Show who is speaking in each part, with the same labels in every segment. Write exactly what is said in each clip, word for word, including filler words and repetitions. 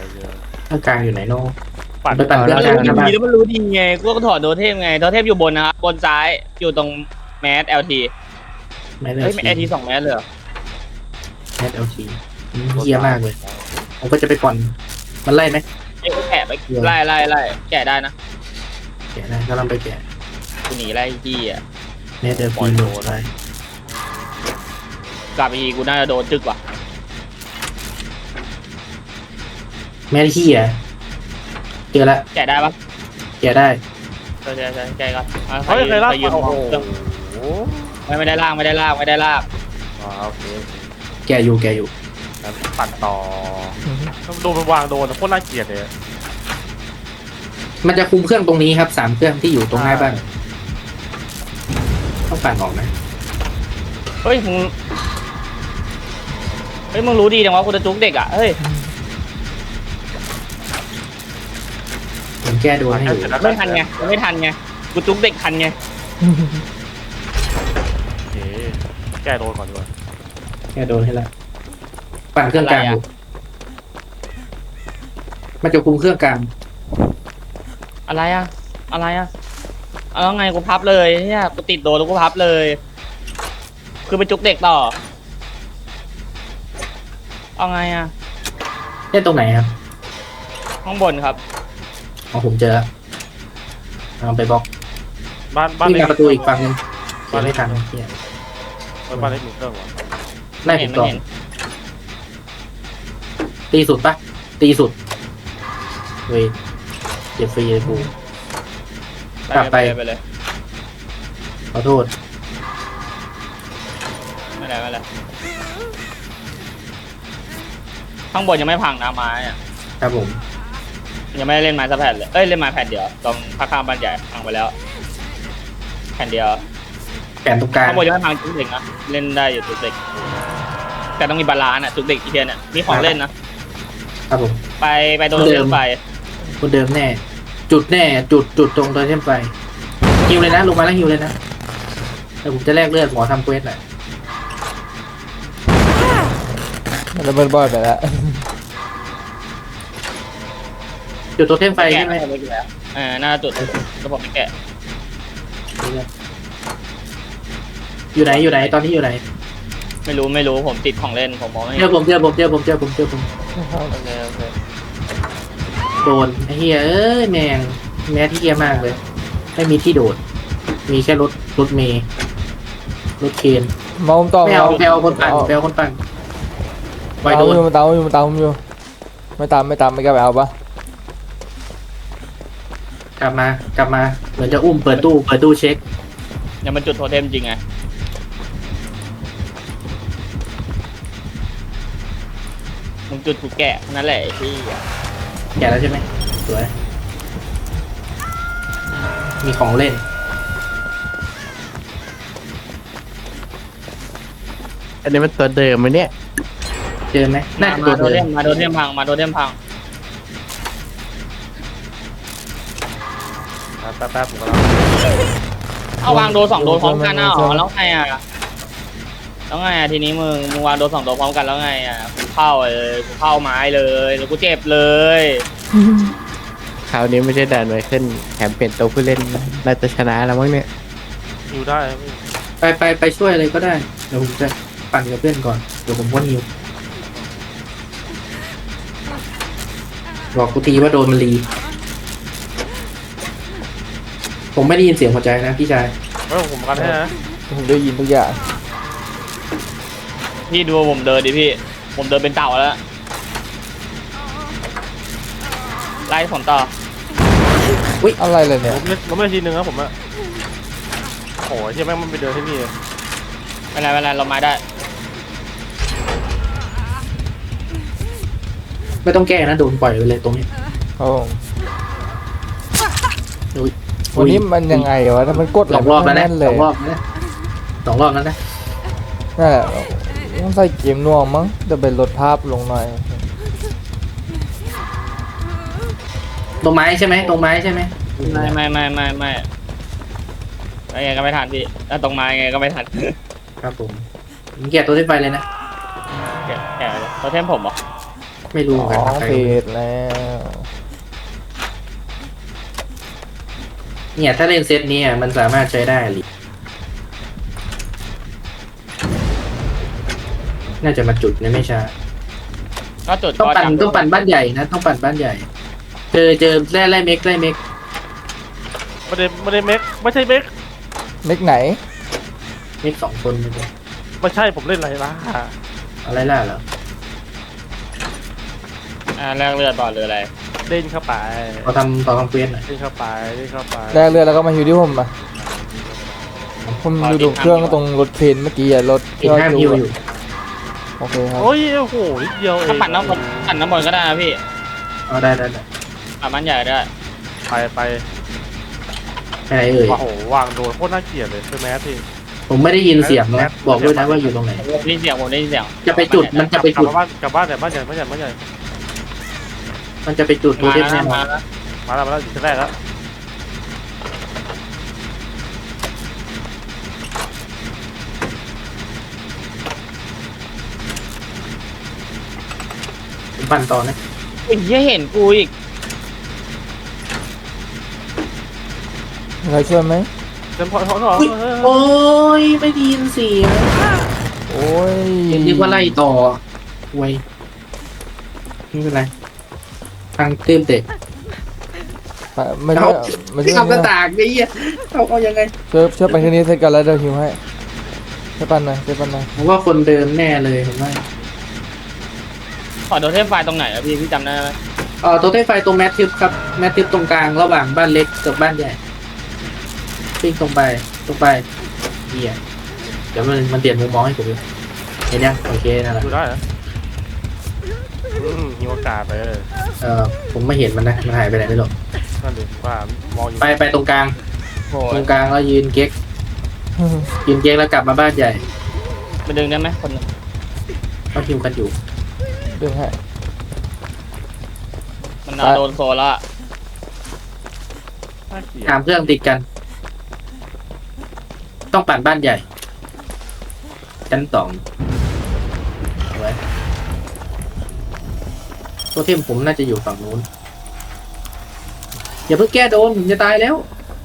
Speaker 1: เครื่องกลางอยู่ไหนโน่
Speaker 2: ปั่น
Speaker 1: ไปปั่นเครื่องกลาง
Speaker 3: มัน
Speaker 1: นะ
Speaker 3: รู้
Speaker 1: บ้าง
Speaker 3: ดีแล้วมันรู้ดีไงกูก็ถอดโดเทมไงโดเทมอยู่บนนะครับบนซ้ายอยู่ตรงแมส แอล ที
Speaker 1: ไม่ได้
Speaker 3: เฮ้ยแอล ที สองแมสเลยเหรอ
Speaker 1: แมสเอลทีเฮี้ยมากเลยผมก็จะไปก่อนมันไล่ไหม
Speaker 3: ไอ้ยแกะไปไล่ไล่ไล่แกะได้นะ
Speaker 1: แกะได้ก็ลองไปแกะ
Speaker 3: กูหนีไล่ที่อ่ะ
Speaker 1: แมสเอลทีโดนได้
Speaker 3: กลับไปอีกกูน่าจะโดนจึกว่ะ
Speaker 1: แมสเฮี้ยเจอละ
Speaker 3: แกะได้ปะ
Speaker 1: แกะได้
Speaker 3: ใช่ใช่ใช่แกะก่อนอา
Speaker 2: เฮ้ยเคยลาก
Speaker 3: ใครยืม
Speaker 2: โอ้โห
Speaker 3: เครื่องไม่ไม่ได้ลากไม่ได้ลากไม่ได้ลาก
Speaker 2: อ๋อโอเค
Speaker 1: แกะอยู่แกะอยู่
Speaker 2: แล้วปั่นต่อต้องโดนมันวางโดนโคตรน่าเกลียดเลย
Speaker 1: มันจะคุมเครื่องตรงนี้ครับสามเครื่องที่อยู่ตรงหน้าบ้านต้องปั่นออกนะ
Speaker 3: เฮ้ยมึงเฮ้ยมึงรู้ดีจังวะกูจะจุกเด็กอ่ะเฮ้ย
Speaker 1: ผมแก้โดนให้อยู่
Speaker 3: ไม่ทันไงไม่ทันไงกูจุกเด็กทันไง
Speaker 2: โอเคแก้โดนก่อนดีกว่า
Speaker 1: แก้โดนให้ละปั่นเครื่องกลางอยู่มันจะคุมเครื่องกลาง
Speaker 3: อะไรอ่ะอะไรอ่ะเอาแล้วไงกูพับเลยเนี่ยกูติดโดนแล้วกูพับเลย คือไปจุกเด็กต่อเอาไงอ่ะ
Speaker 1: เล่นตรงไหนครับ
Speaker 3: ข้างบนครับ
Speaker 1: อ๋อผมเจอแล้วเอาไปบล็อก
Speaker 2: บ้านบ้าน
Speaker 1: ที่
Speaker 2: เล็ก
Speaker 1: มาประตูอีกฝั่งนึงเดี๋ยวไม่ทันเนี่ย
Speaker 2: บ้านเล็กหนึ่งเครื่องวะ
Speaker 1: ไล่
Speaker 3: ไม่
Speaker 1: ผ
Speaker 3: เห็น
Speaker 1: ม
Speaker 3: ไม่
Speaker 1: ต่อ
Speaker 3: เห็น
Speaker 1: ตีสุดปะตีสุดเว้ยเจ็บฟรีเลยกู กลับไป
Speaker 3: ไปเลย
Speaker 1: ขอโทษ
Speaker 3: ไม่ได้ไม่ได้ข้างบนยังไม่พังนะไม้อะ
Speaker 1: ครับผม
Speaker 3: ยังไม่ได้เล่นไม้สักแผ่นเลยเอ้ยเล่นไม้แผ่นเดียวตรงข้างๆบ้านใหญ่พังไปแล้วแผ่นเดียว
Speaker 1: แขนตรงกลาง
Speaker 3: ข้างบนยังไม่พังจุกเด็กนะเล่นได้อยู่จุกเด็กแต่ต้องมีบาลานซ์อะจุกเด็กอีเทียนเนี่ยมีของเล่นนะครับ
Speaker 1: ผม
Speaker 3: ไปไปโดน
Speaker 1: เดิ
Speaker 3: เดิ
Speaker 1: ม
Speaker 3: มไป
Speaker 1: คนเดิมแน่ จุดแน่ จุดจุดตรงโดยเทมไฟฮิวเลยนะลงมาแล้วฮิวเลยนะแต่ผมจะแลกเลือดหมอทำเควสหน่อย
Speaker 4: มันระเบิดบอยไปแล้ว
Speaker 1: จุดตัวเทมไฟ
Speaker 3: แกะ
Speaker 1: ใช่ไหม
Speaker 3: ไม่ได้แล้วเออน่าจุดกระบอกไม่แกะ
Speaker 1: อยู่ไหนอยู่ไหนตอนนี้อยู่ไหน
Speaker 3: ไม่รู้ไม่รู้ผมติดของเล่นผมมองไม่
Speaker 1: เจ
Speaker 3: เห็
Speaker 1: อน ผมเจอผมเจอผมเจอผมเจอผม
Speaker 3: โอเคโอเค
Speaker 1: โดนไอ้เฮียเอ้ยแมงแม่ที่เฮียมากเลย ไม่มีที่โดด มีแค่รถรถเมย์รถเคน
Speaker 4: มาผมต่อ
Speaker 1: ไม่เอาไม่เอาคนปั่นไม่เอาคนปั่นไว
Speaker 4: ตาม
Speaker 1: โดน
Speaker 4: อยู่มาตามอยู่มาตามอยู่ ไม่ตามไม่ตามไม่กล้าไปเอาปะ
Speaker 1: กลับมากลับมาเหมือนจะอุ้มเปิดตู้เปิดตู้เช็ค
Speaker 3: ยังมันจุดโทเทมจริงไงมึงจุดกูแกะนั่นแหละไอ้ที่
Speaker 1: แกะแล้วใช่ไหมสวยมีของเล่น
Speaker 5: อันนี้มันตัวเดิมไหมเนี่ย
Speaker 1: เจอไหมน่าจะ
Speaker 3: มา
Speaker 1: ตัว
Speaker 3: โด
Speaker 1: เดิ
Speaker 3: เท
Speaker 1: ม
Speaker 3: มมาโดเทมพังมาโดเทมพัง
Speaker 2: แป๊บแป๊บผมกำลัง
Speaker 3: เอาวางโดสองโดพร้อมกันอ่ะอ๋อแล้วไงอ่ะแล้วไงอ่ะทีนี้มึงมึงวางโดสองโดพร้อมกันแล้วไงอ่ะกูเข้าเลยกูเข้าไม้เลยแล้วกูเจ็บเลย
Speaker 5: คราวนี้ไม่ได้ดันไว้ขึ้นแถมเปลี่ยนตัวผู้เล่นน่าจะชนะแล้วมั้งเนี่ย
Speaker 2: อยู่ได้
Speaker 1: ไปไปไปช่วยเลยก็ได้เดี๋ยวผมจะปั่นกับเพื่อนก่อนเดี๋ยวผมพ่นฮิวบอกกูทีว่าโดนมันรี ผมไม่ได้ยินเสียงหัวใจนะพี่ชาย
Speaker 2: เฮ้ยผมกันให้นะ
Speaker 4: ผมได้ยินทุกอย่าง
Speaker 3: พี่ดูผมเดินดิพี่ผมเดินเป็นเต่าแล้วไล่ผมต่อ
Speaker 4: อะไรเลยเนี่ย
Speaker 2: ผมเล่นผมเล่นทีนึงนะผมอะโอ้ยเชี่ยแม่งมันไปเดินที่นี่
Speaker 3: ไม่เป็นไรไม่เป็นไรเราไม้ได้
Speaker 1: ไม่ต้องแก้นะโดนปล่อยไปเลยตรงนี้
Speaker 4: ครับผม
Speaker 1: อุ้ย
Speaker 4: วันนี้มันยังไงวะถ้ามันกด
Speaker 1: สองรอบแล้วนะ
Speaker 4: เล
Speaker 1: ส
Speaker 4: ย
Speaker 1: องรอบแล้วนะสองรอบแล้วนะ
Speaker 4: นั่นแหละต้องใส่เกมน่วงมั้งจะเป็นลดภาพลงหน่อย
Speaker 1: ตรงไม้ใช่ไหมตรงไม้ใช่ไหม
Speaker 3: ไม่ไม่ไม่ไม่ไม่ไงก็ไม่ทันพี่ถ้าตรงไม้ไงก็ไม่ทัน
Speaker 1: ครับผมผมเกลียดตัวที่ไฟเลยนะ
Speaker 3: แกะแกะเลยเขาเทมผมเหรอ
Speaker 1: ไม่รู้
Speaker 4: ส
Speaker 1: เหมือน
Speaker 4: อ
Speaker 1: กัน
Speaker 4: ง
Speaker 1: ใคร
Speaker 4: เฟสแล้ว
Speaker 1: เนี่ยถ้าเล่นเซตนี้อ่ะมันสามารถใช้ได้หรือน่าจะมาจุดเนี่ยไม่ช้า
Speaker 3: ก็จุด
Speaker 1: ต้องปั่น
Speaker 3: ก็จับ
Speaker 1: ต้องปั่นบ้านใหญ่นะต้องปั่นบ้านใหญ่ เจอเจอแร่ไล่เม็กไล่เม็ก
Speaker 2: ไม่ได้ไม่ได้เม็กไม่ใช่เม็ก
Speaker 4: เม็กไหน
Speaker 1: เม็กสองคนไม่ใช่
Speaker 2: ไม่ใช่ผมเล่นอะไรล่ะ
Speaker 1: อะไรล่ะเหรอ
Speaker 3: อ่าแลกเลือดบอลหรืออะไร
Speaker 2: เล่นเข้าไป
Speaker 1: เขาทำเขาทำเควสหน่อย
Speaker 2: เล่นเข้าไปเล่นเข้าไป
Speaker 4: แรกเรือแล้วก็มาฮิวที่ผมอ่ะผมอยู่ตรงเครื่องตรงรถเพนเมื่อกี้อะรถ
Speaker 1: เห็นห้ามฮิวอยู่
Speaker 4: โอเคครับ
Speaker 2: โอ้ยโอ้โหนิดเดียวเอง
Speaker 3: ถ้าปั่นน้ำบนปั่นน้ำบนก็ได้นะพี่
Speaker 1: เอาได้ได้ได้
Speaker 3: ปั่นบ้านใหญ่ได้
Speaker 2: ไปไป
Speaker 1: ไปไหนเอ่ย
Speaker 2: โอ้โหวางโดนโคตรน่าเกลียดเลยคือแมสที
Speaker 1: ผมไม่ได้ยินเสียงนะบอกด้วยนะว่าอยู่ตรงไหน
Speaker 3: ผมได้ยินเสียงผมได้ยินเสียง
Speaker 1: จะไปจุดมันจะไป
Speaker 2: กลับ
Speaker 1: จุด
Speaker 2: มาบ้านกลับบ้านแต่บ้านใหญ่บ้านใหญ่บ้านใหญ่
Speaker 1: มันจะไปจุดโท
Speaker 3: มา
Speaker 1: เทม
Speaker 3: แล้
Speaker 1: แน่
Speaker 3: วน
Speaker 1: อ
Speaker 3: มาน แล้ว
Speaker 2: มาแล้วมาแล้วจุดแรกแล้ว
Speaker 1: ผมปั่นต่อนะ
Speaker 3: ไอ้เหี้ยเห็นกูอีก
Speaker 4: มีใครช่วยไหม
Speaker 2: เต็มพอท้องท้อง
Speaker 1: อุ๊ยโอ้ยไม่ได้ยินเสียง
Speaker 4: โอ้ย
Speaker 1: ยังนึกว่าไล่ต่อไว้ไม่เป็นไรทางเติมเตะ
Speaker 4: ไม่ใช่ไม่ใช่
Speaker 1: ทำกระตากไอ้เหี้ยเอาเอายังไง
Speaker 4: ช่วยช่วยไปที่นี้เสร็จกันแล้วเดี๋ยวฮิวให้ช่วยปันหน่อยช่วยปันหน่อย
Speaker 1: ผมว่าคนเดิมแน่เลยผมว่า
Speaker 3: ขอโดนเทมไฟตรงไหนอะพี่พี่จำได้ไหม
Speaker 1: เออโทเทมไฟตรงแมททิปครับแมททิปตรงกลางระหว่างบ้านเล็กกับบ้านใหญ่ปิ้งตรงไปตรงไปเหี้ยเดี๋ยวมันมันเปลี่ยนมุมมองให้ผมดูเห็นยังโอเคนั่นแหละ
Speaker 2: ดูได้เหรออืมมีโอกาสไปเลย
Speaker 1: เออผมไม่เห็นมันนะมันหายไปไหนไม่รู้
Speaker 2: นั่นดิว่ามองอยู่
Speaker 1: ไปไปตรงกลาง
Speaker 3: โอ้
Speaker 1: ตร
Speaker 3: ย
Speaker 1: งกลางแล้วยืนเก๊กยืนเก๊กแล้วกลับมาบ้านใหญ่
Speaker 3: มาดึงได้ไหมคนหนึ่ง
Speaker 1: ก็ทิวกันอยู่
Speaker 4: ดึงให้
Speaker 3: มันเอาโดนโซนแล้วอะ
Speaker 2: น่าเกลียด
Speaker 1: สามเครื่องติดกัน ต้องปั่นบ้านใหญ่ชั้นสองเอาไว้ตัวเทมผมน่าจะอยู่ฝั่งนู้นอย่าเพิ่งแก้โดนผมจะตายแล้ว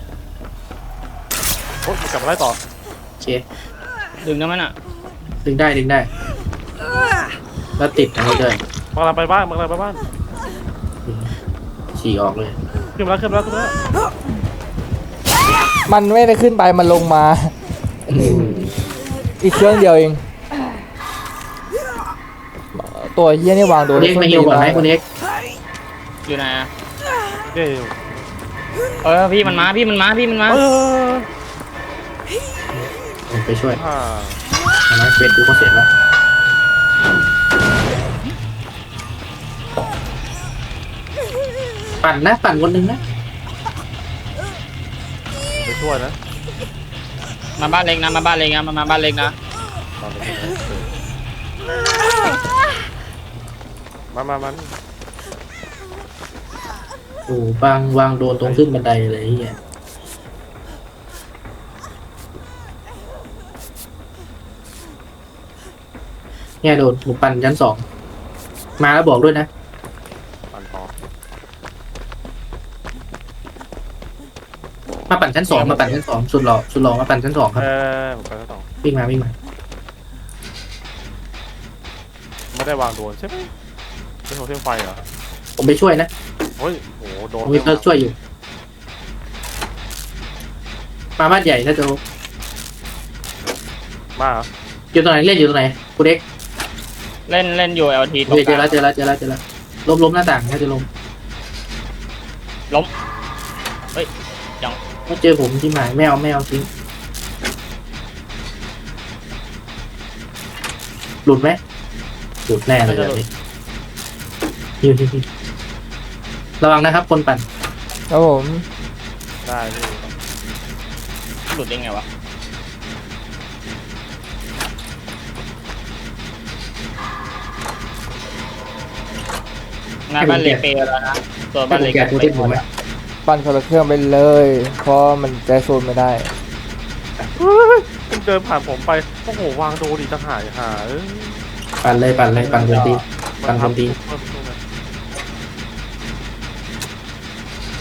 Speaker 2: โอ๊ยกลับมาไล่ต่อ
Speaker 1: โอเค
Speaker 3: ดึงได้ไหมน่ะ
Speaker 1: ดึงได้ดึงได้ แล้วติดอันนี้ด้วย
Speaker 2: มาเราไปบ้านมาเราไปบ้าน
Speaker 1: ฉี่ออกเลย
Speaker 2: ขึ้นมาแล้วขึ้นมาแล้วขึ้นมาแล้ว
Speaker 4: มันไม่ได้ขึ้นไปมันลงมา อีกเครื่องเดียวเอง ตัวเฮียนี่วางโด
Speaker 1: คุ
Speaker 4: น
Speaker 1: ณเอ็กซ์มาฮิวก่อนไหมคุณเอ็กซ์
Speaker 3: อยู่ไหนอะ
Speaker 2: เย้
Speaker 3: เออพี่มันมาพี่มันมาพี่มันมา
Speaker 2: เออ
Speaker 1: ผมไปช่วย
Speaker 2: อ่า
Speaker 1: ทำไมเฟซดูก็เสร็จแล้วปั่นนะปั่นคนหนึ่งนะ
Speaker 2: ไปช่วยนะ
Speaker 3: มาบ้านเล็กนะมาบ้านเล็กนะมามาบ้านเล็กนะ
Speaker 2: มามามัน
Speaker 1: โอ้วางวางโดนตรงขึ้นบันไดเลยไอ้เฮียเนี่ยโดนหมูปั่นชั้นสองมาแล้วบอกด้วยนะ
Speaker 2: ปั่นต่อ
Speaker 1: มาปั่นชั้นสองมาปั่นชั้นสองสุดหล่อสุดหล่อมาปั่นชั้นสองครับ
Speaker 2: เออผมไปต่อ
Speaker 1: วิ่งมาวิ่งมา
Speaker 2: ไม่ได้วางโดนใช่ไหมเป็นโทเทมไฟเหรอ
Speaker 1: ผมไปช่วยนะ
Speaker 2: เฮ้ยโหโด
Speaker 1: ผ
Speaker 2: น
Speaker 1: มมีเพิร์กช่วยอยู่ มาบ้านใหญ่ถ้าจะ
Speaker 2: มาเหรอ
Speaker 1: อยู่ตรงไหนเล่นอยู่ตรงไหนคุณเอ็กซ์
Speaker 3: เล่นเล่นอยู่ แอล ที ตร
Speaker 1: โอง เค
Speaker 3: ก
Speaker 1: เจอ
Speaker 3: ลา
Speaker 1: แล้ว
Speaker 3: ง
Speaker 1: เจอแล้วเจอแล้วเจอแล้วล้มล้มหน้าต่างถ้าจะล้ม
Speaker 3: ล้มเฮ้ยยัง
Speaker 1: ถ้าเจอผมที่หมายไม่เอาไม่เอาทิ้งหลุดไหมหลุดแน่เลยแบบนี้ฮิวฮิวฮิวระวังนะครับ คนปั่น
Speaker 4: ครับผม
Speaker 2: ได้พี่
Speaker 3: หลุดได้ไงวะงานบ้านเล็กเปย์แล้วนะตัว
Speaker 1: ให้
Speaker 3: บ้าน
Speaker 1: ผม
Speaker 3: เล็ก
Speaker 1: แกะตัวเต้นผมไหม
Speaker 4: ปั่นคนละเครื่องไปเลย เพราะมันใจโซนไม่ได้
Speaker 2: เฮ้ยคุณเดินผ่านผมไปโอ้โหวางโดนอีกต่างหากหาเอ้ย
Speaker 1: ปั่นเลยปั่นเลยปั่นบนตี ปั่นบนตี
Speaker 2: เพิ่มตัว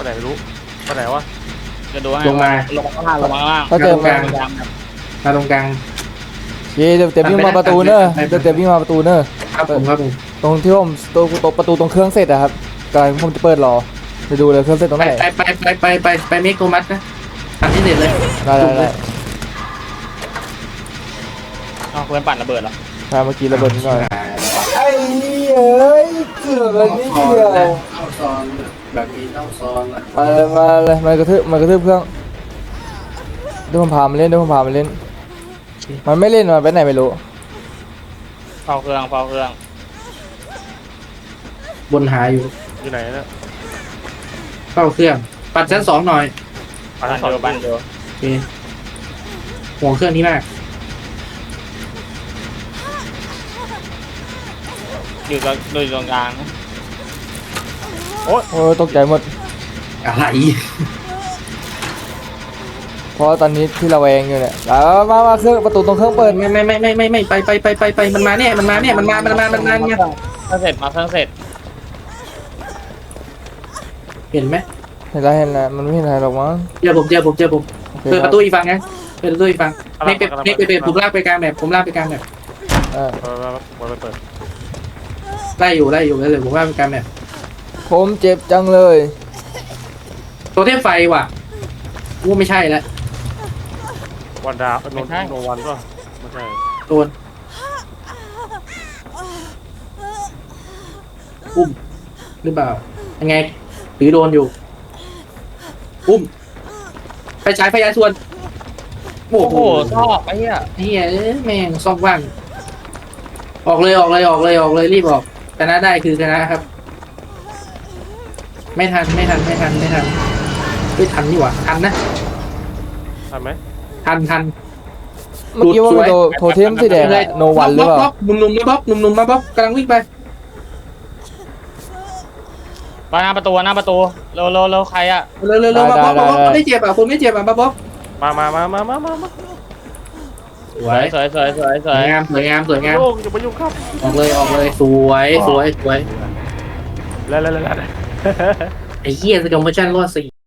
Speaker 2: ไหนไม่รู้ไปไหนวะ
Speaker 3: จะดูให้
Speaker 1: ลงมา
Speaker 3: ลงมาข้างล่างลงมาข้างล่าง
Speaker 4: ถ้าเจอ
Speaker 1: ตรงก
Speaker 4: มา
Speaker 1: ลาง มาตรงกลาง
Speaker 4: เย่เดี๋ยวเต็มวิ่งมาประตูเนอะเดี๋ยวเต็มวิ่งมาประตูเนอะ
Speaker 1: ครับผมครับผม
Speaker 4: ตรงที่ผมตัวตัวประตูตรงเครื่องเสร็จอะครับกำลังผมจะเปิดรอไปดูเลยเครื่องเสร็จตรง
Speaker 1: ไป
Speaker 4: ไหน
Speaker 1: ไปไปไปไปไปไปเมกโทมัสนะทำที่เด็ดเลย
Speaker 4: ได้ได้ได้
Speaker 3: เอาเพื่อนปั่นระเบิดเหรอ
Speaker 4: ใช่เมื่อกี้ระเบิดนิดหน่อยไอ้เอ้ยเกือบแล้วนิดเดียว
Speaker 1: เข้าซอนแบบนี้ต้องซอนละ
Speaker 4: มาเลยมาเลยมากระทืบมากระทืบเครื่องเดี๋ยวผมพามันเล่นเดี๋ยวผมพามันเล่นมันไม่เล่นมันไปไหนไม่รู้
Speaker 3: เฝ้าเครื่องเฝ้าเครื่อง
Speaker 1: บนหาอยู่
Speaker 2: อยู่ไหนเนี่ย
Speaker 1: เข้าเครื่อง ปัดชั้นสองหน่อย
Speaker 2: ปั่น
Speaker 3: ปั่น
Speaker 2: สอง
Speaker 3: เดียวปั่นเดียว
Speaker 1: โอเคห่วงเครื่องนี้มาก
Speaker 3: อยู่ตรงอยู่ตรงกลางนะ
Speaker 4: โอ้ยตกใจหมด
Speaker 1: อะไร
Speaker 4: เพราะตอนนี้ที่เราแวงอยู่เนี่ยแล้วมามาเครื่องประตูตรงเครื่องเปิด
Speaker 1: ไม่ไม่ไม่ไม่ไม่ไม่ไปไปไปไปไปมันมาเนี่ยมันมาเนี่ยมันมามันมามันมาเนี่ย
Speaker 3: เครื่องเสร็จมาเครื่องเสร็จ
Speaker 1: เห็นไหม
Speaker 4: เห็นแล้วเห็นแล้วมันไม่เห็นอะไรหรอกมั้ง
Speaker 1: เจอผมเจอผมเจอผม
Speaker 4: โอเค
Speaker 1: เปิด
Speaker 4: ค
Speaker 1: ป
Speaker 4: รับ
Speaker 1: ระตูอีกฝั่งนะเปิดประตูอีกฝั่งไม่เป็นไม่เป็นเป็นผมลากไปกลางแบบผมลากไปกลางแบบ
Speaker 4: เออ
Speaker 2: เออมาไปเปิด
Speaker 1: ไล่อยู่ไล่อยู่เลยผมลากไปกลางแบบ
Speaker 4: ผมเจ็บจังเลย
Speaker 1: ตัวเทพไฟว่ะกูไม่ใช่แล้ว
Speaker 2: วันดาวโนโนวันป่ะไม่ใช่
Speaker 1: โดนอุ้มหรือเปล่ายังไงหรือโดนอยู่อุ้มไปฉายพยาชวนโอ้
Speaker 3: โอ้
Speaker 1: โห
Speaker 3: โหชอบไอ้เหี้ย
Speaker 1: เฮียเอ้ยแม่งซ่อมว่างออกเลยออกเลยออกเลยออกเลยรีบออกชนะได้คือชนะครับ ไม่ทันไม่ทันไม่ทันไม่ทันไม่ทันนี่หว่าทันนะ
Speaker 2: ทันไหม
Speaker 1: ทันทัน
Speaker 4: เมื่อกี้ว่ามันโดโทเทมสีแดงอะโนวันหรือเปล่า
Speaker 1: บ๊อบหนุ่มๆมาบ๊อบหนุ่มๆมาบ๊อบกำลังวิ่งไป
Speaker 3: ไปหน้าประตูหน้าประตูเร็วเร็วเร็วใครอะ
Speaker 1: เร็วเร็วเร็วมาบ๊อบมาบ๊อบคนไม่เจ็บอ่ะคนไม่เจ็บอ่ะมาบ๊อบ
Speaker 2: มามามามามามามา
Speaker 1: สว
Speaker 3: สวย ยสวยสวยสวยส
Speaker 1: ส
Speaker 3: ว
Speaker 1: วย ยงามสวยงามสวยงาม
Speaker 2: โยกอย่าไปยุ่งครับ
Speaker 1: ออกเลยออกเลยสวยสวยสวย
Speaker 2: แล้วแล้วแล้ว
Speaker 1: ไอ้เหี้ยสกิลโมชั่นรอดสี่